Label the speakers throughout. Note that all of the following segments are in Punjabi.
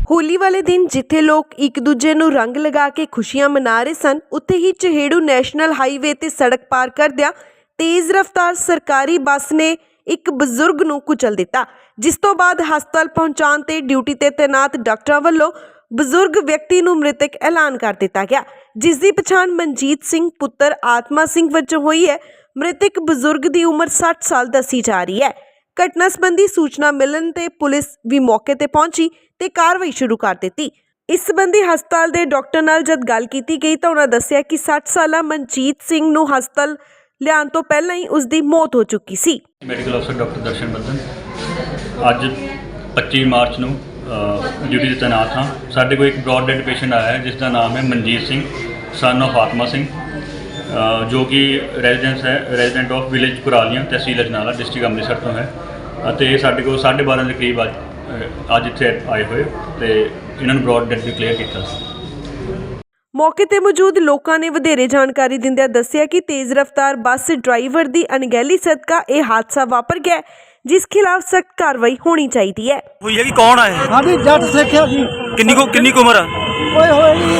Speaker 1: ਹੋਲੀ ਵਾਲੇ ਦਿਨ ਜਿੱਥੇ ਲੋਕ ਇੱਕ ਦੂਜੇ ਨੂੰ ਰੰਗ ਲਗਾ ਕੇ ਖੁਸ਼ੀਆਂ ਮਨਾ ਰਹੇ ਸਨ, ਉੱਥੇ ਹੀ ਚਹੇੜੂ ਨੈਸ਼ਨਲ ਹਾਈਵੇ ਤੇ ਸੜਕ ਪਾਰ ਕਰਦਿਆਂ ਤੇਜ਼ ਰਫ਼ਤਾਰ ਸਰਕਾਰੀ ਬੱਸ ਨੇ ਇੱਕ ਬਜ਼ੁਰਗ ਨੂੰ ਕੁਚਲ ਦਿੱਤਾ, ਜਿਸ ਤੋਂ ਬਾਅਦ ਹਸਪਤਾਲ ਪਹੁੰਚਾਉਣ ਤੇ ਡਿਊਟੀ ਤੇ ਤੈਨਾਤ ਡਾਕਟਰਾਂ ਵੱਲੋਂ ਬਜ਼ੁਰਗ ਵਿਅਕਤੀ ਨੂੰ ਮ੍ਰਿਤਕ ਐਲਾਨ ਕਰ ਦਿੱਤਾ ਗਿਆ, ਜਿਸ ਦੀ ਪਛਾਣ ਮਨਜੀਤ ਸਿੰਘ ਪੁੱਤਰ ਆਤਮਾ ਸਿੰਘ ਵਜੋਂ ਹੋਈ ਹੈ। ਮ੍ਰਿਤਕ ਬਜ਼ੁਰਗ ਦੀ ਉਮਰ 60 ਸਾਲ ਦੱਸੀ ਜਾ ਰਹੀ ਹੈ। ਘਟਨਾ ਸੰਬੰਧੀ ਸੂਚਨਾ ਮਿਲਣ ਤੇ ਪੁਲਿਸ ਵੀ ਮੌਕੇ ਤੇ ਪਹੁੰਚੀ ਤੇ ਕਾਰਵਾਈ ਸ਼ੁਰੂ ਕਰ ਦਿੱਤੀ। ਇਸ ਸੰਬੰਧੀ ਹਸਪਤਾਲ ਦੇ ਡਾਕਟਰ ਨਾਲ ਜਦ ਗੱਲ ਕੀਤੀ ਗਈ ਤਾਂ ਉਹਨਾਂ ਦੱਸਿਆ ਕਿ 60 ਸਾਲਾ ਮਨਜੀਤ ਸਿੰਘ ਨੂੰ ਹਸਪਤਾਲ ਲਿਆਉਣ ਤੋਂ ਪਹਿਲਾਂ ਹੀ ਉਸ ਦੀ ਮੌਤ ਹੋ ਚੁੱਕੀ ਸੀ।
Speaker 2: ਮੈਡੀਕਲ ਅਫਸਰ ਡਾਕਟਰ ਦਰਸ਼ਨ ਬੱਦਨ ਅੱਜ 25 ਮਾਰਚ ਨੂੰ ਡਿਊਟੀ ਤੇ ਤੈਨਾਤ ਹਾਂ। ਸਾਡੇ ਕੋਲ ਇੱਕ ਬ੍ਰੌਡ ਡੈਡ ਪੇਸ਼ੈਂਟ ਆਇਆ ਹੈ ਜਿਸ ਦਾ ਨਾਮ ਹੈ ਮਨਜੀਤ ਸਿੰਘ ਸਨ ਆਫ ਆਤਮਾ ਸਿੰਘ, ਜੋ ਕਿ resident of village Kuralian tehsil Ajnala district Amritsar ਤੋਂ ਹੈ ਅਤੇ ਸਾਡੇ ਕੋਲ 12:30 ਦੇ ਕਰੀਬ ਅੱਜ ਇੱਥੇ ਆਏ ਹੋਏ ਤੇ ਇਹਨਾਂ ਨੂੰ ਬ੍ਰੌਡ ਡੈਡ ਡਿਕਲੇਅਰ ਕੀਤਾ ਸੀ।
Speaker 1: ਮੌਕੇ ਤੇ ਮੌਜੂਦ ਲੋਕਾਂ ਨੇ ਵਧੇਰੇ ਜਾਣਕਾਰੀ ਦਿੰਦਿਆਂ ਦੱਸਿਆ ਕਿ ਤੇਜ਼ ਰਫ਼ਤਾਰ ਬੱਸ ਡਰਾਈਵਰ ਦੀ ਅਣਗਹਿਲੀ ਸਦਕਾ ਇਹ ਹਾਦਸਾ ਵਾਪਰ ਗਿਆ, ਜਿਸ ਖਿਲਾਫ ਸਖਤ ਕਾਰਵਾਈ ਹੋਣੀ ਚਾਹੀਦੀ ਹੈ।
Speaker 3: ਹੋਈ ਹੈ ਕਿ ਕੌਣ ਆਏ?
Speaker 4: हाँ जी जट सिक्ख्या जी
Speaker 3: ਕਿੰਨੀ ਕੁ ਉਮਰ ਆ?
Speaker 4: कोई होए जी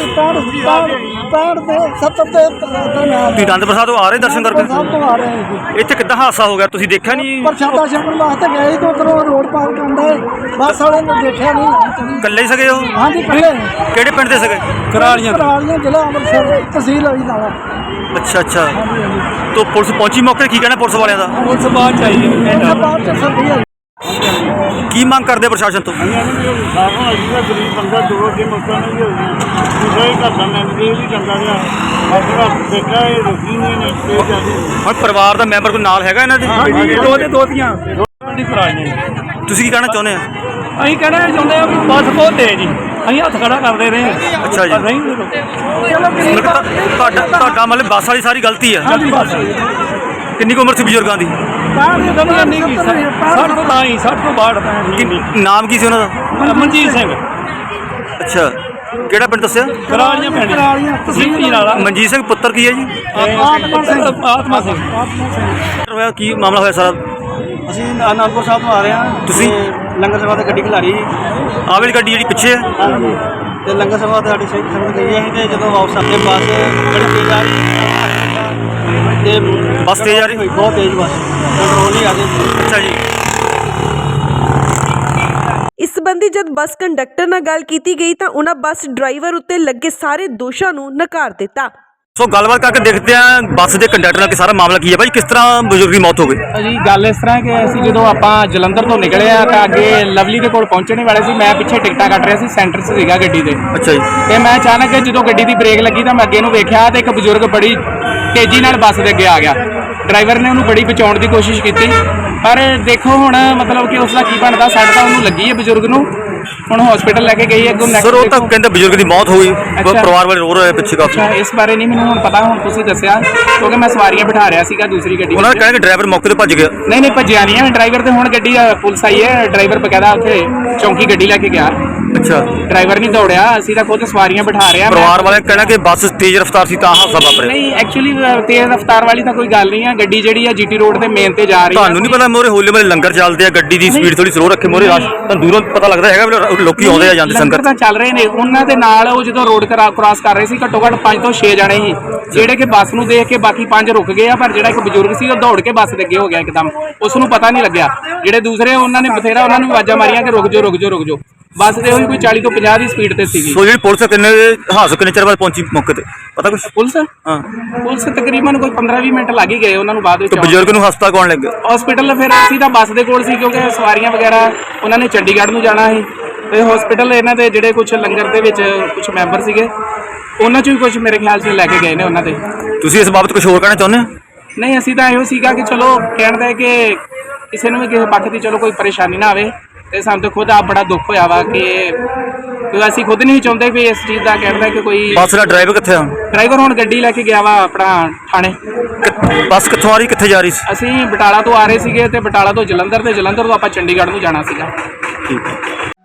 Speaker 4: 65 ਦੇ 70 ਦੇ
Speaker 3: ਤੁਸੀਂ ਆਨੰਦ ਪ੍ਰਸਾਦ ਤੋਂ ਆ ਰਹੇ ਦਰਸ਼ਨ ਕਰਕੇ?
Speaker 4: ਸਭ ਤੋਂ ਆ ਰਹੇ ਹਾਂ ਜੀ।
Speaker 3: ਇੱਥੇ ਕਿੱਦਾਂ ਹਾਦਸਾ ਹੋ ਗਿਆ ਤੁਸੀਂ ਦੇਖਿਆ ਨਹੀਂ?
Speaker 4: ਪ੍ਰਸ਼ਾਦਾ ਛਕਣ ਵਾਸਤੇ ਗਏ ਤੋਂ ਉਧਰੋਂ ਰੋਡ ਪਾਰ ਕਰਦਾ ਹੈ, ਬੱਸ ਵਾਲੇ ਨੇ ਦੇਖਿਆ ਨਹੀਂ।
Speaker 3: ਇਕੱਲੇ ਹੀ ਸਗੇ ਹੋ?
Speaker 4: हाँ जी पहले
Speaker 3: ਕਿਹੜੇ ਪਿੰਡ ਦੇ ਸਗੇ?
Speaker 4: करालियां ਜ਼ਿਲ੍ਹਾ ਅੰਮ੍ਰਿਤਸਰ ਤਹਿਸੀਲ ਹੋਈ ਨਾਲਾ।
Speaker 3: ਅੱਛਾ तो ਪੁਲਿਸ ਪਹੁੰਚੀ ਮੌਕੇ ਤੇ? ਕੀ ਕਹਿਣਾ ਪੁਲਿਸ ਵਾਲਿਆਂ ਦਾ?
Speaker 4: ਪੁਲਿਸ ਬਾਅਦ ਚਾਹੀਏ ਬਾਅਦ ਚ ਸਰਦੀ ਹੈ।
Speaker 3: ਕੀ ਮੰਗ ਕਰਦੇ ਪ੍ਰਸ਼ਾਸਨ ਤੋਂ?
Speaker 5: ਗਰੀਬ ਬੰਦਾ ਦੋ ਅੱਗੇ ਮੌਕਾ ਨਹੀਂ ਹੋ ਗਿਆ, ਦੂਸਰਾ ਹੀ ਘਰ ਦਾ ਮੈਂਬਰ ਇਹ ਵੀ ਚੰਗਾ ਰਿਹਾ, ਆਪਣਾ ਦੇਖਿਆ ਇਹ ਰੁਕੀ ਨਹੀਂ ਨੇ ਤੇ ਜਾਂਦੇ।
Speaker 3: ਹੁਣ ਪਰਿਵਾਰ ਦਾ ਮੈਂਬਰ ਕੋਈ ਨਾਲ ਹੈਗਾ ਇਹਨਾਂ ਦੇ?
Speaker 4: ਦੋ ਧੀਆਂ ਦੀ ਫਰਾਜ ਨੇ।
Speaker 3: ਤੁਸੀਂ ਕੀ ਕਹਿਣਾ ਚਾਹੁੰਦੇ ਆ?
Speaker 4: ਅਸੀਂ ਕਹਿਣਾ ਚਾਹੁੰਦੇ ਆ ਵੀ ਬੱਸ ਬਹੁਤ ਤੇਜ਼ ਜੀ, ਅਸੀਂ ਹੱਥ ਖੜਾ ਕਰਦੇ ਰਹੇ।
Speaker 3: ਅੱਛਾ ਜੀ। ਤੁਹਾਡਾ ਮਤਲਬ ਬੱਸ ਵਾਲੀ ਸਾਰੀ ਗਲਤੀ ਹੈ?
Speaker 4: ਬਸ
Speaker 3: ਕਿੰਨੀ ਕੁ ਉਮਰ ਸੀ ਬਜ਼ੁਰਗਾਂ ਦੀ?
Speaker 4: 60 ਤੋਂ ਤਾਂ ਹੀ 60 ਤੋਂ ਬਾਅਦ
Speaker 3: ਨਾਮ ਕੀ ਸੀ ਉਹਨਾਂ ਦਾ?
Speaker 4: ਮਨਜੀਤ ਸਿੰਘ
Speaker 3: ਅੱਛਾ, ਕਿਹੜਾ ਪਿੰਡ ਦੱਸਿਆ?
Speaker 4: ਕਰਾਲੀਆਂ ਪਿੰਡ ਤਹਿਸੀਲ ਅਜਨਾਲਾ।
Speaker 3: ਮਨਜੀਤ ਸਿੰਘ ਪੁੱਤਰ ਕੀ ਹੈ ਜੀ?
Speaker 4: ਆਤਮਾ ਸਿੰਘ।
Speaker 3: ਹੋਇਆ ਕੀ ਮਾਮਲਾ ਹੋਇਆ ਸਾਰਾ?
Speaker 5: ਅਸੀਂ ਅਨੰਦਪੁਰ ਸਾਹਿਬ ਤੋਂ ਆ ਰਹੇ ਹਾਂ।
Speaker 3: ਤੁਸੀਂ
Speaker 5: ਲੰਗਰ ਸਭਾ ਤੇ ਗੱਡੀ ਖਿਲਾਰੀ
Speaker 3: ਆਹ ਵਾਲੀ ਗੱਡੀ ਜਿਹੜੀ ਪਿੱਛੇ ਹੈ?
Speaker 5: ਤੇ ਲੰਗਰ ਸਭਾ ਤੇ ਸਾਡੀ ਸੰਗਤ ਗਈ ਹੈ ਤੇ ਜਦੋਂ ਵਾਪਸ ਆਉਂਦੇ ਬੱਸ ਬੜੀ ਤੇਜ਼ ਆ ਰਹੀ ਤੇ
Speaker 3: ਬੱਸ ਤੇਜ਼ ਆ ਰਹੀ
Speaker 5: ਹੋਈ, ਬਹੁਤ ਤੇਜ਼ ਬੱਸ ਕੰਟਰੋਲ ਹੀ ਆ ਗਈ।
Speaker 3: ਅੱਛਾ ਜੀ।
Speaker 1: ਇਸ ਸੰਬੰਧੀ ਜਦ ਬੱਸ ਕੰਡਕਟਰ ਨਾਲ ਗੱਲ ਕੀਤੀ ਗਈ ਤਾਂ ਉਹਨਾਂ ਬੱਸ ਡਰਾਈਵਰ ਉੱਤੇ ਲੱਗੇ ਸਾਰੇ ਦੋਸ਼ਾਂ ਨੂੰ ਨਕਾਰ ਦਿੱਤਾ।
Speaker 3: ਸੋ ਗੱਲਬਾਤ ਕਰਕੇ ਦੇਖਦੇ ਆ ਬੱਸ ਦੇ ਕੰਡਕਟਰ ਨਾਲ ਕਿ ਸਾਰਾ ਮਾਮਲਾ ਕੀ ਹੈ ਭਾਈ, ਕਿਸ ਤਰ੍ਹਾਂ ਬਜ਼ੁਰਗ ਦੀ ਮੌਤ ਹੋ ਗਈ?
Speaker 6: ਜੀ ਗੱਲ ਇਸ ਤਰ੍ਹਾਂ ਕਿ ਅਸੀਂ ਜਦੋਂ ਆਪਾਂ ਜਲੰਧਰ ਤੋਂ ਨਿਕਲੇ ਆ ਤਾਂ ਅੱਗੇ ਲਵਲੀ ਦੇ ਕੋਲ ਪਹੁੰਚਣੇ ਵਾਲੇ ਸੀ। ਮੈਂ ਪਿੱਛੇ ਟਿਕਟਾਂ ਕੱਟ ਰਿਹਾ ਸੀ, ਸੈਂਟਰ 'ਚ ਸੀਗਾ ਗੱਡੀ ਦੇ।
Speaker 3: ਅੱਛਾ ਜੀ।
Speaker 6: ਤੇ ਮੈਂ ਅਚਾਨਕ ਜਦੋਂ ਗੱਡੀ ਦੀ ਬ੍ਰੇਕ ਲੱਗੀ ਤਾਂ ਮੈਂ ਅੱਗੇ ਨੂੰ ਵੇਖਿਆ ਤੇ ਇੱਕ ਬਜ਼ੁਰਗ ਬੜੀ ਤੇਜ਼ੀ ਨਾਲ ਬੱਸ ਦੇ ਅੱਗੇ ਆ ਗਿਆ। ਡਰਾਈਵਰ ਨੇ ਉਹਨੂੰ ਬੜੀ ਬਚਾਉਣ ਦੀ ਕੋਸ਼ਿਸ਼ ਕੀਤੀ, ਪਰ ਦੇਖੋ ਹੁਣ ਮਤਲਬ ਕਿ ਉਸ ਦਾ ਕੀ ਬਣਦਾ। ਸੱਟ ਤਾਂ ਉਹਨੂੰ ਲੱਗੀ ਹੈ ਬਜ਼ੁਰਗ ਨੂੰ, ਹੁਣ ਹਸਪੀਟਲ ਲੈ ਕੇ ਗਈ ਹੈ।
Speaker 3: ਸਰ ਉਹ ਤਾਂ ਕਹਿੰਦੇ ਬਜ਼ੁਰਗ ਦੀ ਮੌਤ ਹੋ ਗਈ, ਪਰਿਵਾਰ ਵਾਲੇ ਰੋ ਰਹੇ ਪਿੱਛੇ ਕਾਫੀ।
Speaker 6: ਅੱਛਾ, ਇਸ ਬਾਰੇ ਨਹੀਂ ਮੈਨੂੰ ਹੁਣ ਪਤਾ, ਹੁਣ ਤੁਸੀਂ ਦੱਸਿਆ ਕਿਉਂਕਿ ਮੈਂ ਸਵਾਰੀਆਂ ਬਿਠਾ ਰਿਹਾ ਸੀਗਾ ਦੂਸਰੀ ਗੱਡੀ।
Speaker 3: ਉਹਨਾਂ ਨੇ ਕਹਿੰਦੇ ਕਿ ਡਰਾਈਵਰ ਮੌਕੇ ਤੇ ਭੱਜ ਗਿਆ।
Speaker 6: ਨਹੀਂ ਭੱਜਿਆ ਨਹੀਂ ਹੈ ਡਰਾਈਵਰ, ਤੇ ਹੁਣ ਗੱਡੀ ਪੁਲਿਸ ਆਈ ਹੈ, ਡਰਾਈਵਰ ਬਕਾਇਦਾ ਉੱਥੇ ਚੌਂਕੀ ਗੱਡੀ ਲੈ ਕੇ ਗਿਆ।
Speaker 3: ਅੱਛਾ,
Speaker 6: ਡਰਾਈਵਰ ਨਹੀਂ ਦੌੜਿਆ, ਅਸੀਂ ਤਾਂ ਖੁਦ ਸਵਾਰੀਆਂ ਬਿਠਾ ਰਹੇ ਹਾਂ।
Speaker 3: ਪਰਿਵਾਰ ਵਾਲੇ ਕਹਿਣਾ ਕਿ ਬੱਸ ਤੇਜ਼ ਰਫ਼ਤਾਰ ਸੀ ਤਾਂ ਹਾਦਸਾ ਵਾਪਰਿਆ।
Speaker 6: ਨਹੀਂ ਐਕਚੁਅਲੀ ਤੇਜ਼ ਰਫ਼ਤਾਰ ਵਾਲੀ ਤਾਂ ਕੋਈ ਗੱਲ ਨਹੀਂ ਹੈ, ਗੱਡੀ ਜਿਹੜੀ ਆ ਜੀਟੀ ਰੋਡ ਤੇ ਮੇਨ ਤੇ ਜਾ ਰਹੀ ਹੈ।
Speaker 3: ਤੁਹਾਨੂੰ ਨਹੀਂ ਪਤਾ ਮੋਰੇ ਹੋਲੇ ਵਾਲੇ ਲੰਗਰ ਚੱਲਦੇ ਆ, ਗੱਡੀ ਦੀ ਸਪੀਡ ਥੋੜੀ ਸਲੋ ਰੱਖੇ, ਮੋਰੇ ਰਸ਼ ਤਾਂ ਦੂਰੋਂ ਪਤਾ ਲੱਗਦਾ ਹੈਗਾ ਵੀ ਲੋਕੀ ਆਉਂਦੇ ਆ ਜਾਂਦੇ ਸੰਗਤ।
Speaker 6: ਲੰਗਰ ਤਾਂ ਚੱਲ ਰਹੇ ਨੇ, ਉਹਨਾਂ ਦੇ ਨਾਲ ਉਹ ਜਦੋਂ ਰੋਡ ਕ੍ਰਾਸ ਕਰ ਰਹੇ ਸੀ ਘੱਟੋ ਘੱਟ 5 ਤੋਂ 6 ਜਣੇ ਸੀ, ਜਿਹੜੇ ਕਿ ਬੱਸ ਨੂੰ ਦੇਖ ਕੇ ਬਾਕੀ 5 ਰੁਕ ਗਏ ਆ, ਪਰ ਜਿਹੜਾ ਇੱਕ ਬਜ਼ੁਰਗ ਸੀ ਉਹ ਦੌੜ ਕੇ ਬੱਸ ਦੇ ਅੱਗੇ ਹੋ ਗਿਆ ਇੱਕਦਮ, ਉਸ ਨੂੰ ਪਤਾ ਨਹੀਂ ਲੱਗਿਆ। ਜਿਹੜੇ ਦੂਸਰੇ ਉਹਨਾਂ ਨੇ ਬਥੇਰਾ ਉਹਨਾਂ ਨੂੰ ਆਵਾਜ਼ਾਂ ਮਾਰੀਆਂ ਕਿ ਰੁਕ ਜਾਓ। ਬੱਸ ਤੇ ਉਹੀ ਕੋਈ 40 ਤੋਂ 50 ਦੀ ਸਪੀਡ ਤੇ ਸੀਗੀ।
Speaker 3: ਸੋ ਜਿਹੜੀ ਪੁਲਿਸ ਕਿੰਨੇ ਚਿਰ ਬਾਅਦ ਪਹੁੰਚੀ ਮੌਕੇ ਤੇ, ਪਤਾ ਕੁਛ?
Speaker 6: ਪੁਲਿਸ ਤਕਰੀਬਨ ਕੋਈ 15-20 ਮਿੰਟ ਲੱਗ ਹੀ ਗਏ ਉਹਨਾਂ ਨੂੰ ਬਾਅਦ ਵਿੱਚ।
Speaker 3: ਬਜ਼ੁਰਗ ਨੂੰ ਹਸਪਤਾਲ ਕੌਣ ਲੈ ਗਿਆ?
Speaker 6: ਹਸਪੀਟਲ ਫਿਰ ਅਸੀਂ ਤਾਂ ਬੱਸ ਦੇ ਕੋਲ ਸੀ ਕਿਉਂਕਿ ਸਵਾਰੀਆਂ ਵਗੈਰਾ ਉਹਨਾਂ ਨੇ ਚੰਡੀਗੜ੍ਹ ਨੂੰ ਜਾਣਾ ਸੀ ਤੇ ਹਸਪੀਟਲ ਇਹਨਾਂ ਦੇ ਜਿਹੜੇ ਕੁਝ ਲੰਗਰ ਦੇ ਵਿੱਚ ਕੁਝ ਮੈਂਬਰ ਸੀਗੇ ਉਹਨਾਂ 'ਚੋਂ ਵੀ ਕੁਝ ਮੇਰੇ ਖਿਆਲ 'ਚ ਲੈ ਕੇ ਗਏ ਨੇ ਉਹਨਾਂ ਦੇ।
Speaker 3: ਤੁਸੀਂ ਇਸ ਬਾਬਤ ਕੁਝ ਹੋਰ ਕਹਿਣਾ ਚਾਹੁੰਦੇ ਹੋ?
Speaker 6: ਨਹੀਂ, ਅਸੀਂ ਤਾਂ ਇਹੋ ਸੀਗਾ ਕਿ ਚਲੋ ਕਹਿਣ ਦਾ ਕਿ ਕਿਸੇ ਨੂੰ ਵੀ ਕਿਸੇ ਪੱਖ ਦੀ ਚਲੋ ਕੋਈ ਪਰੇਸ਼ਾਨੀ ਨਾ ਆਵੇ, ਤੇ ਸਾਨੂੰ ਤਾਂ ਖੁਦ ਆਪ ਬੜਾ ਦੁੱਖ ਹੋਇਆ ਵਾ ਕਿ ਅਸੀਂ ਖੁਦ ਨਹੀਂ ਚਾਹੁੰਦੇ ਵੀ ਇਸ ਚੀਜ਼ ਦਾ ਕਹਿਣ ਕਿ ਕੋਈ।
Speaker 3: ਬੱਸ ਦਾ ਡਰਾਈਵਰ ਕਿੱਥੇ ਆ?
Speaker 6: ਡਰਾਈਵਰ ਹੁਣ ਗੱਡੀ ਲੈ ਕੇ ਗਿਆ ਵਾ ਆਪਣਾ ਥਾਣੇ।
Speaker 3: ਬੱਸ ਕਿੱਥੋਂ ਆ ਰਹੀ, ਕਿੱਥੇ ਜਾ ਰਹੀ ਸੀ?
Speaker 6: ਅਸੀਂ ਬਟਾਲਾ ਤੋਂ ਆ ਰਹੇ ਸੀਗੇ ਤੇ ਬਟਾਲਾ ਤੋਂ ਜਲੰਧਰ, ਤੇ ਜਲੰਧਰ ਤੋਂ ਆਪਾਂ ਚੰਡੀਗੜ੍ਹ ਨੂੰ ਜਾਣਾ ਸੀਗਾ।
Speaker 3: ਠੀਕ ਹੈ।